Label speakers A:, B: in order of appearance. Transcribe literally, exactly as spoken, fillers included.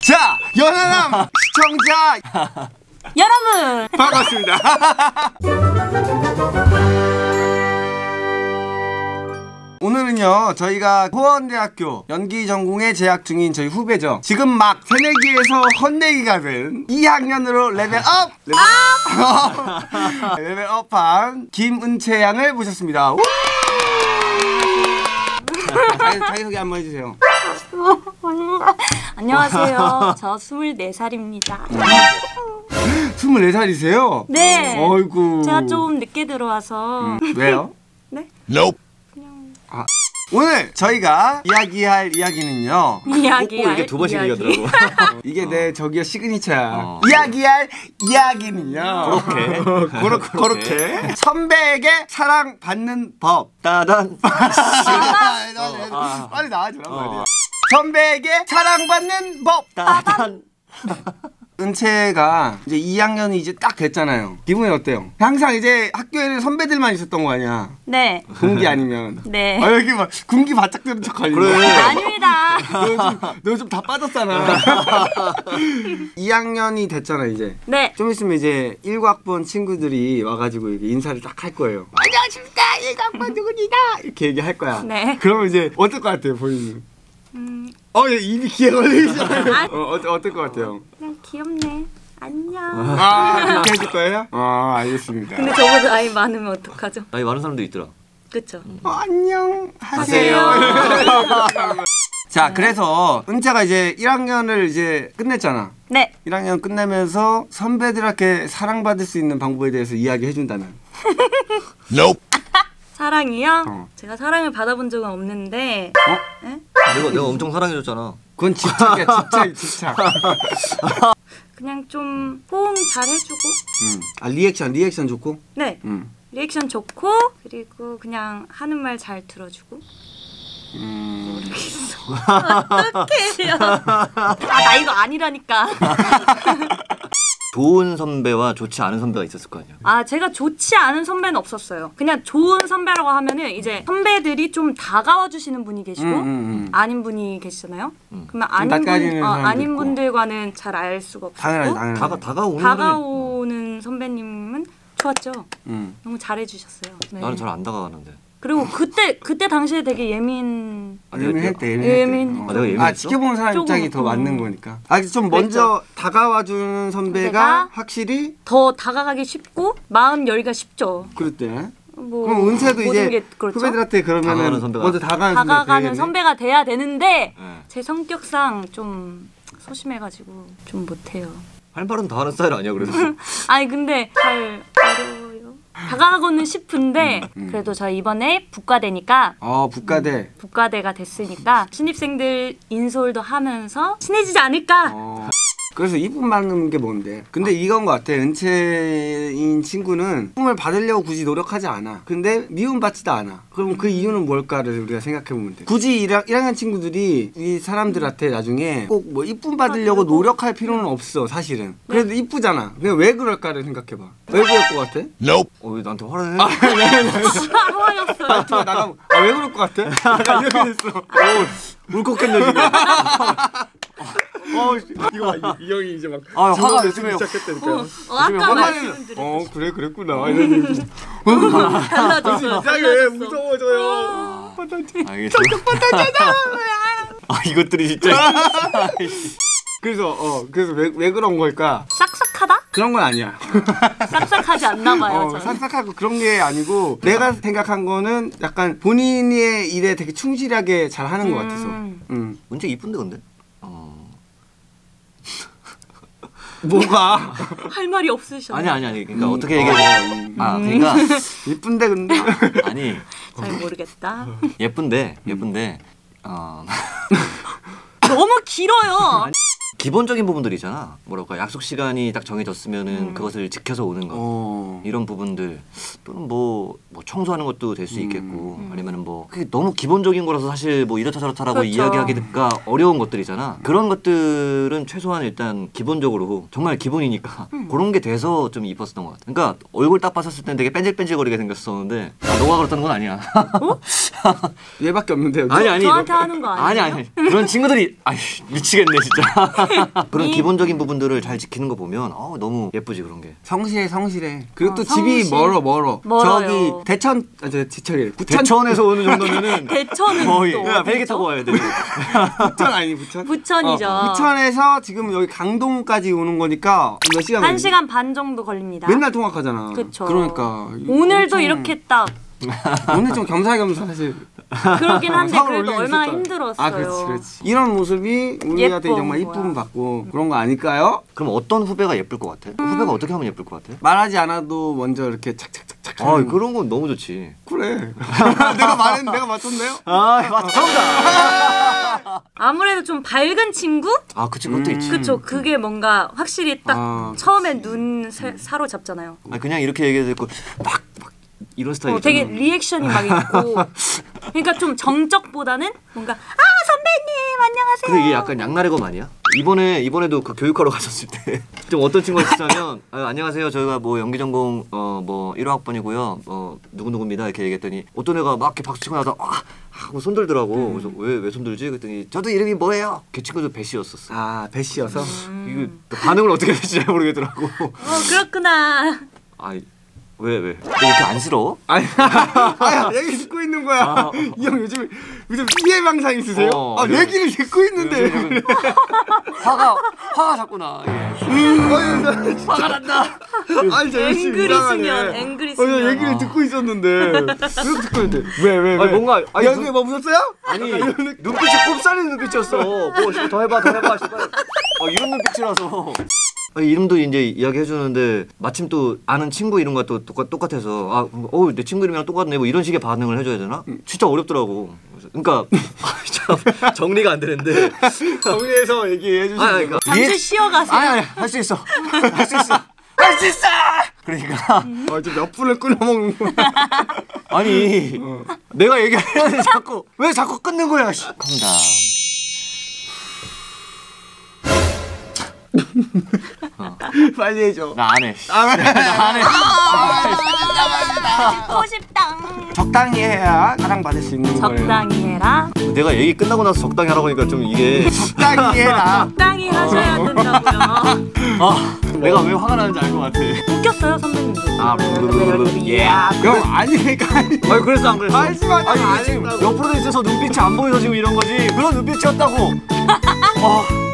A: 자, 연하남 시청자
B: 여러분
A: 반갑습니다. 오늘은요 저희가 호원대학교 연기전공에 재학 중인 저희 후배죠. 지금 막 새내기에서 헛내기가 된 이 학년으로 레벨업! 레벨업! 레벨업한 김은채 양을 모셨습니다. 자기, 자기소개 한번 해주세요.
B: 안녕하세요. 저 스물네 살입니다.
A: 스물네 살이세요?
B: 네.
A: 어이구.
B: 제가 좀 늦게 들어와서.
A: 음, 왜요?
B: 네?
A: Nope. 그냥. 아, 오늘 저희가 이야기할 이야기는요.
B: 이야기할
C: 이게 두 번씩 얘기하더라고.
A: 이게
C: 어.
A: 내 저기야 시그니처야.
C: 어.
A: 이야기할 이야기는요.
C: 그렇게.
A: 그렇게. 그렇게. 선배에게 사랑받는 법.
C: 따단.
A: 아, 빨리 나와주란 말이야. 선배에게 사랑받는 법.
C: 따단.
A: 은채가 이제 이 학년이 이제 딱 됐잖아요. 기분이 어때요? 항상 이제 학교에는 선배들만 있었던 거 아니야?
B: 네.
A: 군기 아니면.
B: 네.
A: 아 여기 막 군기 바짝 드는 척 하니.
C: 그래.
B: 아닙니다.
A: 너 좀 다 빠졌잖아. 이 학년이 됐잖아 이제.
B: 네.
A: 좀 있으면 이제 일구 학번 친구들이 와가지고 이렇게 인사를 딱 할 거예요. 안녕하십니까 일구 학번 누구니다 이렇게 얘기할 거야.
B: 네.
A: 그러면 이제 어떨 것 같아요 본인은?
B: 음.
A: 어 입이 귀에 걸리시잖아요. 어 어때 어떨 것 같아요?
B: 그냥 귀엽네. 안녕.
A: 아 그렇게 해줄 거예요? 아 알겠습니다.
B: 근데 저보다 나이 많으면 어떡하죠?
C: 나이 많은 사람도 있더라.
B: 그쵸?
A: 어, 안녕
C: 하세요.
A: 하세요. 자 그래서 은채가 이제 일 학년을 이제 끝냈잖아.
B: 네.
A: 일 학년 끝내면서 선배들한테 사랑받을 수 있는 방법에 대해서 이야기해준다면? Nope.
B: 사랑이요?
A: 어.
B: 제가 사랑을 받아본 적은 없는데.
A: 어?
B: 에?
C: 내가 내가 엄청 사랑해줬잖아.
A: 그건 집착이야 집착 집착.
B: 그냥 좀 호응 잘 해주고.
A: 음. 아 리액션 리액션 좋고?
B: 네.
A: 음.
B: 리액션 좋고 그리고 그냥 하는 말 잘 들어주고.
A: 음.
B: 어떡해요. 아 나 이거 아니라니까.
C: 좋은 선배와 좋지 않은 선배가 있었을 거 아니야.
B: 아 제가 좋지 않은 선배는 없었어요. 그냥 좋은 선배라고 하면은 이제 선배들이 좀 다가와 주시는 분이 계시고
A: 음, 음, 음.
B: 아닌 분이 계시잖아요.
C: 음.
B: 그러면 아닌
A: 낯가리는
B: 분 어,
A: 사람도
B: 아닌
A: 있고.
B: 분들과는 잘 알 수가 없고
A: 당연하지 당연하지.
C: 다가 다가오는
B: 다가오는 선배님은 좋았죠.
A: 음.
B: 너무 잘해 주셨어요. 네.
C: 나는 잘 안 다가가는데.
B: 그리고 그때 그때 당시에 되게 예민
C: 아,
A: 예민했대
B: 예민.
A: 예민했대.
C: 아, 내가 예민했어?
A: 아 지켜보는 사람
B: 조금,
A: 입장이 더
B: 음.
A: 맞는 거니까. 아 좀 먼저 다가와주는 선배가
B: 선배가
A: 확실히
B: 더 다가가기 쉽고 마음 열기가 쉽죠.
A: 그랬대.
B: 뭐
A: 그럼 은채도
B: 모든
A: 이제
B: 게 그렇죠.
A: 후배들한테 그러면은
C: 다가가는 선배가-
A: 먼저 다가가는,
B: 다가가는
A: 선배가
B: 선배가 돼야 되는데
C: 네.
B: 제 성격상 좀 소심해가지고 좀 못해요.
C: 할 말은 다 하는 스타일 아니야 그래서.
B: 아니 근데 잘 어려워요. 다가가고는 싶은데
A: 음.
B: 그래도 저 이번에 북과대니까
A: 어 북가대.
B: 북과대가 됐으니까 신입생들 인솔도 하면서 친해지지 않을까.
A: 어. 그래서 이쁨 받는 게 뭔데? 근데 이건 것 같아. 은채인 친구는 이쁨을 받으려고 굳이 노력하지 않아. 근데 미움 받지도 않아. 그럼 그 이유는 뭘까를 우리가 생각해보면 돼. 굳이 일 학년 친구들이 이 사람들한테 나중에 꼭 뭐 이쁨 받으려고 노력할 필요는 없어 사실은. 그래도 이쁘잖아. 그냥 왜 그럴까를 생각해봐. 왜 그럴 것 같아?
C: 어, 왜 나한테 화를 해?
A: 아, 네, 네.
B: 하와였어요.
A: 나가 나가. 아, 왜 그럴 것 같아? 약간 이렇게 됐어. 오, 울컥했네 지금. 어, 이거 봐, 이, 이 형이 이제 막
C: 아, 화가
A: 저거
C: 요즘에
A: 시작했다니까.
B: 어, 어, 아까 말씀드렸죠.
A: 어, 그래 그랬구나. 이러니
B: 달라졌어.
A: 이상해 무서워져요.
C: 알겠어. 아 이것들이 진짜.
A: 그래서 어 그래서 왜 왜 그런 걸까?
B: 싹싹하다?
A: 그런 건 아니야.
B: 싹싹하지 않나 봐요.
A: 어,
B: 저는.
A: 싹싹하고 그런 게 아니고 내가 생각한 거는 약간 본인의 일에 되게 충실하게 잘 하는 것 같아서.
B: 음.
A: 음.
C: 문제 이쁜데 근데. 어.
A: 뭐가?
B: 할 말이 없으셔.
C: 아니 아니 아니. 그러니까
A: 음.
C: 어떻게 얘기해? 아 그러니까
A: 이쁜데 근데.
C: 아니
B: 잘 모르겠다.
C: 예쁜데 예쁜데 어.
B: 너무 길어요.
C: 기본적인 부분들이잖아. 뭐랄까 약속 시간이 딱 정해졌으면은
B: 음.
C: 그것을 지켜서 오는 거.
A: 어.
C: 이런 부분들 또는 뭐, 뭐 청소하는 것도 될 수 있겠고
B: 음.
C: 아니면은 뭐 그게 너무 기본적인 거라서 사실 뭐 이렇다 저렇다라고
B: 그렇죠.
C: 이야기하기가 어려운 것들이잖아. 그런 것들은 최소한 일단 기본적으로 정말 기본이니까
B: 음.
C: 그런 게 돼서 좀 이뻤었던 것 같아. 그러니까 얼굴 딱 봤었을 땐 되게 뺀질뺀질거리게 생겼었는데 아, 너가 그렇다는 건 아니야.
A: 얘밖에 없는데 여기.
C: 아니 아니
B: 저한테
C: 너-
B: 하는 거 아니에요?
C: 아니 아니 그런 친구들이 아이 미치겠네 진짜. 그런
B: 이-
C: 기본적인 부분들을 잘 지키는 거 보면 어, 너무 예쁘지 그런 게.
A: 성실해 성실해. 그리고
B: 어,
A: 또 집이
B: 성실.
A: 멀어 멀어.
B: 멀어요.
A: 저기 대천 아, 저 지천이래. 부천
C: 대천에서 오는 정도면은
B: 대천은
C: 거의
B: 또
C: 야, 벨기
B: 어디죠?
C: 타고 와야 돼.
A: 부천 아니 부천?
B: 부천이죠.
A: 어, 부천에서 지금 여기 강동까지 오는 거니까 몇 시간
B: 한
A: 걸리지?
B: 시간 반 정도 걸립니다.
A: 맨날 통학하잖아.
B: 그쵸.
A: 그러니까
B: 오늘도
A: 엄청-
B: 이렇게 딱
A: 오늘 좀 겸사겸사 사실
B: 그러긴 한데
A: 서울
B: 그래도
A: 올리기
B: 얼마나
A: 있었다.
B: 힘들었어요.
A: 아 그렇지 그렇지. 이런 모습이 우리한테
B: 예쁜
A: 정말
B: 거야.
A: 이쁨 받고 그런 거 아닐까요?
C: 그럼 어떤 후배가 예쁠 것 같아? 후배가 어떻게 하면 예쁠 것 같아?
A: 말하지 않아도 먼저 이렇게 착착착착.
C: 아 그런 건 너무 좋지.
A: 그래. 내가 말했는데 내가 맞췄네요.
C: 아 맞 정답.
B: 아무래도 좀 밝은 친구?
C: 아 그치 그것도
A: 음.
C: 있지.
B: 그쵸. 그게 뭔가 확실히 딱
A: 아,
B: 처음에 눈 사, 사로잡잖아요.
C: 아 그냥 이렇게 얘기해도 되고 막, 막 이런 스타일.
B: 어, 되게 리액션이 막 있고. 그러니까 좀 정적보다는 뭔가 아 선배님 안녕하세요.
C: 근데 이게 약간 양날의 검 아니야? 이번에 이번에도 그 교육하러 가셨을 때 좀 어떤 친구가 있었냐면 아, 안녕하세요 저희가 뭐 연기전공 어뭐 일 학번이고요 어 누구 누구입니다 이렇게 얘기했더니 어떤 애가 막 이렇게 박수 치고 나서 아 하고 손들더라고. 그래서 왜 왜 손들지? 그랬더니 저도 이름이 뭐예요? 그 친구도 배씨였었어.
A: 아 배씨여서.
C: 이거 반응을 어떻게 해야 될지 잘 모르겠더라고.
B: 어 그렇구나.
C: 아 왜 왜? 너 이렇게 안쓰러워?
A: 아니, 아야 얘기 듣고 있는 거야.
C: 아.
A: 이 형 요즘 요즘 피해 방상 있으세요?
C: 어,
A: 아
C: 요즘-
A: 얘기를 듣고 있는데.
C: 요즘 화가 화가 자꾸 나. 이게.
A: 아니, 나 진짜-
C: 화가 난다.
A: 아니 저 열심히
B: 앵그리
A: 이상하네.
B: 수면, 앵그리
A: 어, 나
B: 수면.
A: 얘기를
C: 아.
A: 듣고 있었는데 왜 듣고 있는데? 왜 왜 왜?
C: 아니, 뭔가- 아니,
A: 야
C: 눈-
A: 그게 뭐 무섭어요?
C: 아니 눈빛이 꼽사리는 눈빛이었어. 뭐 씨발 더 해봐 더 해봐 씨발. 아, 이런 눈빛이라서. 아, 이름도 이제 이야기해 주는데 마침 또 아는 친구 이름과 또 똑같, 똑같아서 아어내 친구 이름이랑 똑같네 뭐 이런 식의 반응을 해줘야 되나? 진짜 어렵더라고. 그래서- 그러니까 참 정리가 안 되는데.
A: 정리해서 얘기해 주시면.
C: 아 그러니까
B: 잠시 쉬어가세요.
C: 아니 아니 할 수 있어 할 수 있어 할 수 있어. 그러니까
A: 아, 지금 몇 분을 끊어 먹는 거야.
C: 아니 내가 얘기하는데 자꾸 왜 자꾸 끊는 거야? 씨. 컴다.
A: 빨리 해줘.
C: 나 안 해.
B: 듣고 싶다.
A: 적당히 해야 사랑받을 수 있는 거예요.
B: 적당히 해라.
C: 내가 얘기 끝나고 나서 적당히 하라고 하니까 좀 이게
A: 적당히 해라.
B: 적당히 하셔야 된다고요.
C: 아 내가 왜 화가 나는지 알 것 같아.
B: 웃겼어요 선배님도.
C: 아, 예.
A: 형 아니니까 아니.
C: 아니 그랬어 안 그랬어?
A: 말씀하지
C: 아니
A: 안
C: 지금
A: 했다고.
C: 옆으로 돼 있어서 눈빛이 안 보여서 지금 이런 거지. 그런 눈빛이었다고. 아